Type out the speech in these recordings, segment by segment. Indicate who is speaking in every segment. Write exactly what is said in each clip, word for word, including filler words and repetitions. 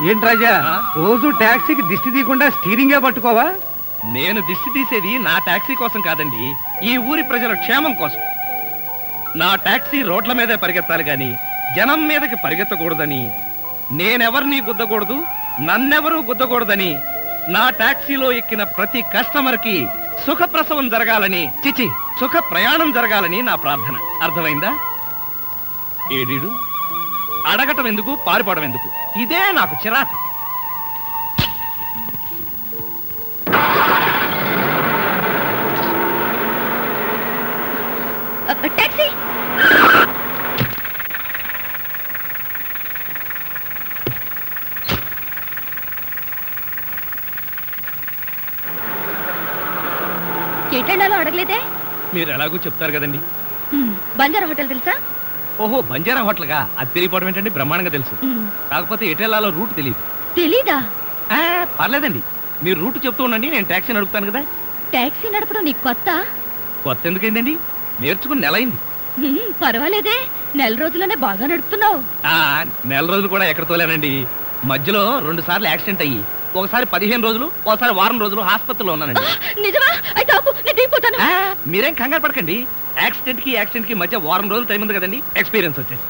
Speaker 1: ఏంటి రాజా రోజు టాక్సీకి దిష్టి తీయకుండా స్టీరింగే పట్టుకోవా?
Speaker 2: నేను దిష్టి తీసేది నా టాక్సీ కోసం కాదండి, ఈ ఊరి ప్రజల క్షేమం కోసం. నా టాక్సీ రోడ్ల మీదే పరిగెత్తాలి గాని జనం మీదకి పరిగెత్తకూడదని, నేనెవర్ని గుద్దకూడదు, నన్నెవరూ గుద్దకూడదని, నా టాక్సీలో ఎక్కిన ప్రతి కస్టమర్ కి సుఖప్రసవం జరగాలని, చిచి సుఖ ప్రయాణం జరగాలని నా ప్రార్థన. అర్థమైందా? ఏడీడు అడగటం ఎందుకు, పారిపోవడం ఎందుకు? ఇదే నాకు చిరాకు.
Speaker 3: టాక్సీ ఎటెళ్ళాలో అడగలేదే?
Speaker 2: మీరు ఎలాగూ చెప్తారు కదండి.
Speaker 3: బంజారా హోటల్ తెలుసా?
Speaker 2: ఓహో, బంజారా హోటల్గా? అది తెలియపోవడం ఏంటండి, బ్రహ్మాండంగా తెలుసు. కాకపోతే ఎటెళ్ళాలో రూట్ తెలియదు.
Speaker 3: తెలీదా?
Speaker 2: పర్లేదండి, మీరు రూట్ చెప్తూ ఉండండి, నేను టాక్సీ నడుపుతాను కదా.
Speaker 3: టాక్సీ నడపడం నీకు కొత్త?
Speaker 2: కొత్త ఎందుకైందండి, నేర్చుకుని నెల అయింది.
Speaker 3: పర్వాలేదే, నెల రోజుల్లోనే బాగా నడుపుతున్నావు.
Speaker 2: నెల రోజులు కూడా ఎక్కడ తోలేనండి, మధ్యలో రెండు సార్లు యాక్సిడెంట్ అయ్యి ఒకసారి పదిహేను రోజులు ఒకసారి వారం రోజులు హాస్పిటల్లో ఉన్నానండి.
Speaker 3: నిజమా? అయితే ఆపు, నేను దిగిపోతాను.
Speaker 2: మీరేం కంగారు పడకండి, యాక్సిడెంట్ కి యాక్సిడెంట్ కి మధ్య వారం రోజులు టైం ఉంది కదండి, ఎక్స్పీరియన్స్ వచ్చేసి.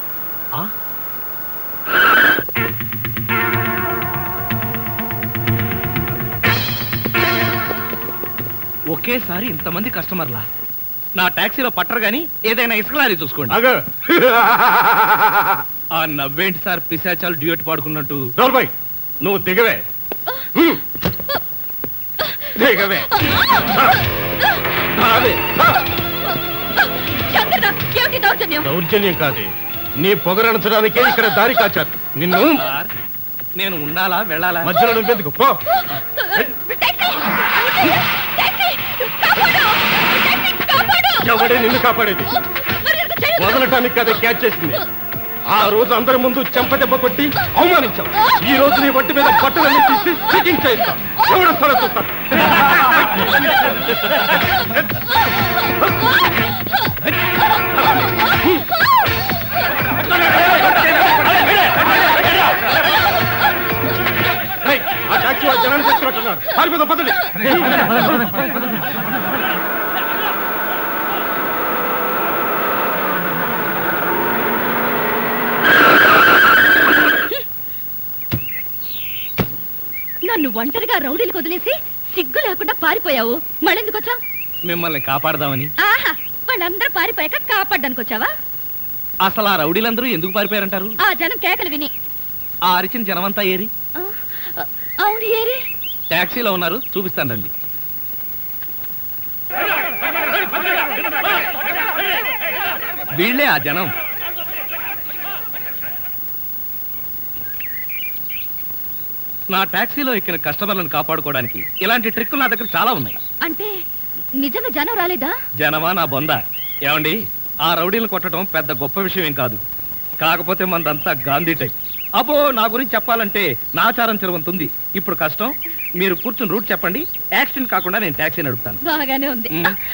Speaker 2: ఒకేసారి ఇంతమంది కస్టమర్లా నా టాక్సీలో పట్టరు గాని ఏదైనా ఇసుక లారీ చూసుకోండి. ఆ నవ్వేంటి సార్, పిశాచాలు డ్యూయట్ పాడుకున్నట్టు.
Speaker 1: నువ్వు దిగవే దిగవే. దౌర్జన్యం కాదు, నీ పొగరణించడానికే ఇక్కడ దారి కాచారు. నిన్ను
Speaker 2: నేను ఉండాలా వెళ్ళాలా?
Speaker 1: మధ్యలో నువ్వెందుకు పో. ఎవడే నిన్ను కాపాడేది? వదలటానికి కదా క్యాచ్ చేసింది. ఆ రోజు అందరి ముందు చెంపదెబ్బ కొట్టి అవమానించావు. ఈ రోజు నీ ఒంటి మీద బట్టలన్నీ తీసి చెకింగ్ చేస్తాం. ఎవడు సరే చూస్తాను. ఆ టాక్సీ వాళ్ళు జనాన్ని తెచ్చుకుంటున్నారు. పారిపోదాం పదండి.
Speaker 3: నన్ను ఒంటరిగా రౌడీలకు వదిలేసి సిగ్గు లేకుండా పారిపోయావు. మళ్ళెందుకు వచ్చావు?
Speaker 2: మిమ్మల్ని కాపాడదామని.
Speaker 3: ఆహా, వాళ్ళందరూ పారిపోయాక కాపాడడానికి వచ్చావా?
Speaker 2: అసలు ఆ రౌడీలందరూ ఎందుకు పారిపోయారంటారు?
Speaker 3: ఆ జనం కేకలు విని.
Speaker 2: ఆ అరిచిన జనమంతా ఏరి?
Speaker 3: అవును, ఏరి.
Speaker 2: టాక్సీలో ఉన్నారు, చూపిస్తాను రండి. వీళ్లే ఆ జనం. నా టాక్సీలో ఎక్కిన కస్టమర్లను కాపాడుకోవడానికి ఇలాంటి ట్రిక్కులు నా దగ్గర చాలా ఉన్నాయి.
Speaker 3: అంటే నిజంగా జనం రాలేదా?
Speaker 2: జనమా నా బొంద. ఏమండి, ఆ రౌడీలను కొట్టడం పెద్ద గొప్ప విషయం ఏం కాదు. కాకపోతే మనదంతా గాంధీ టైప్. అబ్బో, నా గురించి చెప్పాలంటే నాచారం చెరువంతుంది. ఇప్పుడు కష్టం, మీరు కూర్చుని రూట్ చెప్పండి. యాక్సిడెంట్ కాకుండా నేను టాక్సీ నడుపుతాను.
Speaker 3: బాగానే ఉంది.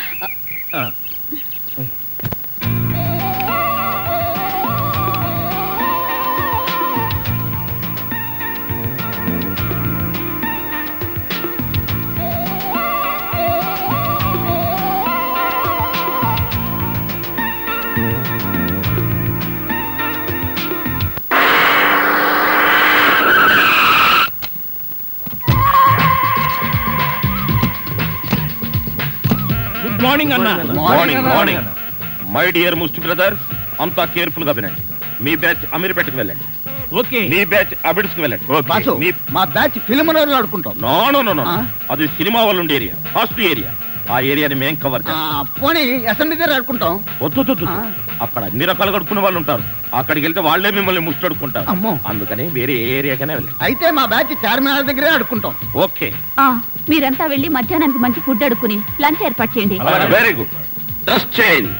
Speaker 2: మార్నింగ్ అన్న.
Speaker 4: మార్నింగ్ మార్నింగ్ మై డియర్ ముస్టి బ్రదర్స్, అంతా కేర్ఫుల్ గా వినండి. మీ బ్యాచ్ అమీర్పేటకు వెళ్ళండి.
Speaker 2: ఓకే.
Speaker 4: మీ బ్యాచ్ అబిడ్స్ కి వెళ్ళండి.
Speaker 5: మా బ్యాచ్ ఫిల్మ్ ఆడుకుంటాం.
Speaker 4: నో నో నో నో, అది సినిమా వాళ్ళు ఉండే ఏరియా, ఫస్ట్ ఏరియా. ఆ ఏరియాని మేం కవర్ చేస్తాం.
Speaker 5: పోనీ అసెంబ్లీ దగ్గర ఆడుకుంటాం.
Speaker 4: వద్దు, అక్కడ అన్ని రకాలుగా అడుక్కునే వాళ్ళు ఉంటారు. అక్కడికి వెళ్తే వాళ్లే మిమ్మల్ని ముష్టి అడుక్కుంటారు. అందుకని వేరే ఏరియాకనే వెళ్ళండి.
Speaker 5: అయితే మా బ్యాచ్ చార్మినార్ దగ్గరే ఆడుకుంటాం.
Speaker 4: ఓకే.
Speaker 3: మీరంతా వెళ్ళి మధ్యాహ్నానికి మంచి ఫుడ్ అడుక్కుని లంచ్ ఏర్పాటు చేయండి.
Speaker 4: Very good. Dress change.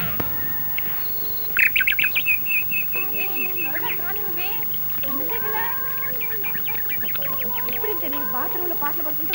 Speaker 3: బాత్రూంలో పాటలు పడుకుంటా.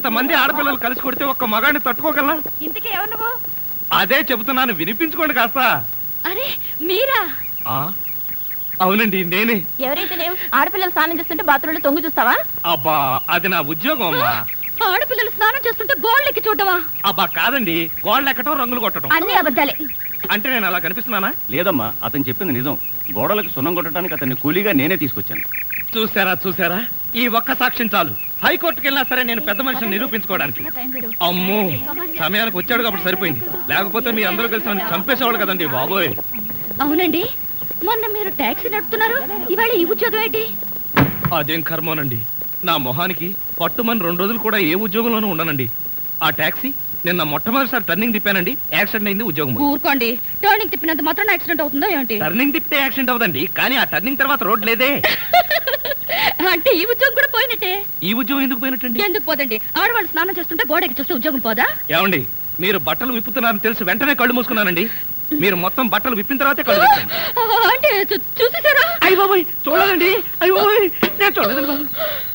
Speaker 2: ఇంతమంది ఆడపిల్లలు కలిసి కొడితే ఒక్క మగాడిని తట్టుకోగలనా?
Speaker 3: ఇంతకీ ఎవరు నువ్వు?
Speaker 2: అదే చెబుతున్నాను, వినిపించుకోండి కాస్త.
Speaker 3: అరే మీరా?
Speaker 2: ఆ, అవునండి నేనే.
Speaker 3: ఎవరైతే ఆడపిల్లలు స్నానం చేస్తుంటే బాత్రూంలో తొంగి చూస్తావా?
Speaker 2: అబ్బా అది నా ఉద్యోగం అమ్మా.
Speaker 3: ఆడపిల్లలు స్నానం చేస్తుంటే గోళ్ళెక్కి చూడవా?
Speaker 2: అబ్బా కాదండి, గోళ్ళు ఎక్కటం రంగులు కొట్టడం.
Speaker 3: అన్ని అబద్ధాలే.
Speaker 2: అంటే నేను అలా కనిపిస్తున్నానా?
Speaker 4: లేదమ్మా, అతను చెప్పింది నిజం. గోడలకు సున్నం కొట్టడానికి అతన్ని కూలీగా నేనే తీసుకొచ్చాను.
Speaker 2: చూసారా చూసారా, ఈ ఒక్క సాక్ష్యం చాలు. హైకోర్టుకి వెళ్ళినా సరే నేను పెద్ద మనిషిని నిరూపించుకోవడానికి. అమ్మో, సమయానికి వచ్చాడు కాబట్టి సరిపోయింది, లేకపోతే మీ అందరూ కలిసి నన్ను చంపేసేవాళ్ళు కదండి బాబోయ్.
Speaker 3: అవునండి, మొన్న మీరు టాక్సీ నడుపుతున్నారు, ఇవాళ ఈ ఉద్యోగం ఏంటి?
Speaker 2: అదేం కర్మోనండి, నా మొహానికి పట్టుమని రెండు రోజులు కూడా ఏ ఉద్యోగంలోనూ ఉండనండి. ఆ టాక్సీ నిన్న మొట్టమొదటిసారి టర్నింగ్ తిప్పానండి, యాక్సిడెంట్ అయింది, ఉద్యోగం పోయింది.
Speaker 3: ఊరుకోండి, టర్నింగ్ తిప్పినంత మాత్రం యాక్సిడెంట్ అవుతుందో ఏంటి?
Speaker 2: టర్నింగ్ తిప్పితే యాక్సిడెంట్ అవుదండి, కానీ ఆ టర్నింగ్ తర్వాత రోడ్ లేదే.
Speaker 3: అంటే ఈ ఉద్యోగం కూడా పోయినట్టే.
Speaker 2: ఈ ఉద్యోగం ఎందుకు పోయినట్టండి?
Speaker 3: ఎందుకు పోదండి, ఆడవాళ్ళు స్నానం చేస్తుంటే గోడకి చూస్తే ఉద్యోగం పోదా?
Speaker 2: ఏమండి, మీరు బట్టలు విప్పుతున్నారని తెలిసి వెంటనే కళ్ళు మూసుకున్నానండి. మీరు మొత్తం బట్టలు విప్పిన తర్వాతే కళ్ళు తెరిచాను.
Speaker 3: అంటే చూ- చూసేసారా?
Speaker 2: అయ్య బాబోయ్, చూడదండి, అయ్య బాబోయ్, నేను చూడదండి బాబు.